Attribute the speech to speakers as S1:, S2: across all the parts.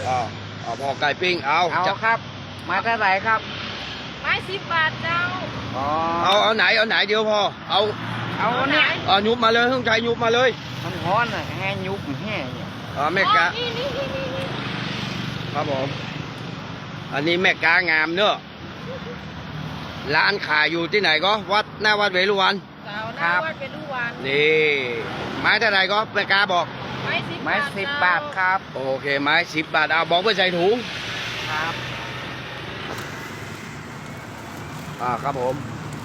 S1: อ๋อพอไก่ปิ้งเอา
S2: ครับมาเท่าไหร่ครับ
S3: ไม้10 บาทเจ้า
S1: เอาไหนเดี๋ยวพอเอา
S3: เนี่ย
S1: ยุบมาเลยเครื่องใจยุบมาเลย
S2: มันร้อนอ่ะแห้ยุบแห้เนี่ย
S1: แม่กา
S3: นี่
S1: ครับผมอันนี้แม่กางามเนอะร้านขายอยู่ที่ไหนก็วัดหน้าวัดเวรุวัน
S3: เจ้าหน้าวัดเวรุวัน
S1: นี่ไม้เท่าไหร่ก็แม่กาบอก
S3: ไม้
S2: 10 บาทครับ
S1: โอเคไม้10 บาทเอาบอกไปใส่ถุง
S2: ครับ
S1: ครับผม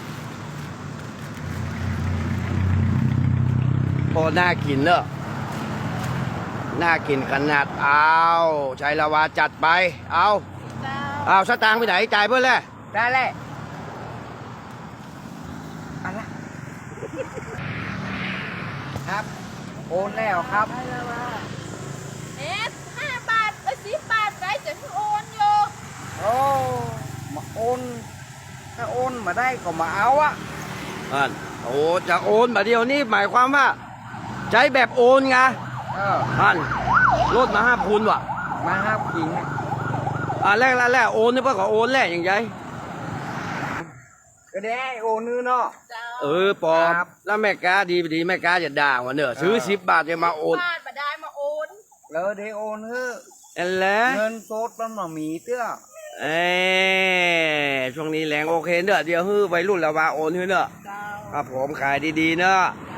S1: พอน่ากินเนอะน่ากินขนาดเอาชัยละวาจัดไปเอาสตางค์ไปไหนจ่ายเพื่อนแหละ
S2: ได้แหละอะไรครับโอนแล้วครับ
S3: 5 บาท10 บาทได้จะโอนอยู่
S2: โอ้มาโอนถ้าโอนมาได้ก็มาเอาอะ
S1: โอ้จะโอนมาเดียวนี้หมายความว่าใช้แบบโอนไงลดมา5 คูณว่ะ
S2: มา5 ขีด
S1: แรกโอนนี่เพื่อขอโอนแรกอย่างไร
S2: ก็ได้โอนนื้อเนาะ
S1: ปอแล้วแม่กาดีแม่กาจะด่าว่าเนอะซื้อ10 บาทจะมาโอน
S3: 10 บาทมาได้มาโอน
S2: แล้วได้โอนเฮ้
S1: เ
S2: งินสดมันมามีเตื้อ
S1: ช่วงนี้แรงโอเคเนอะเดี๋ยววัยรุ่นละว่าโอนเนอะครับผมขายดีๆเนอะ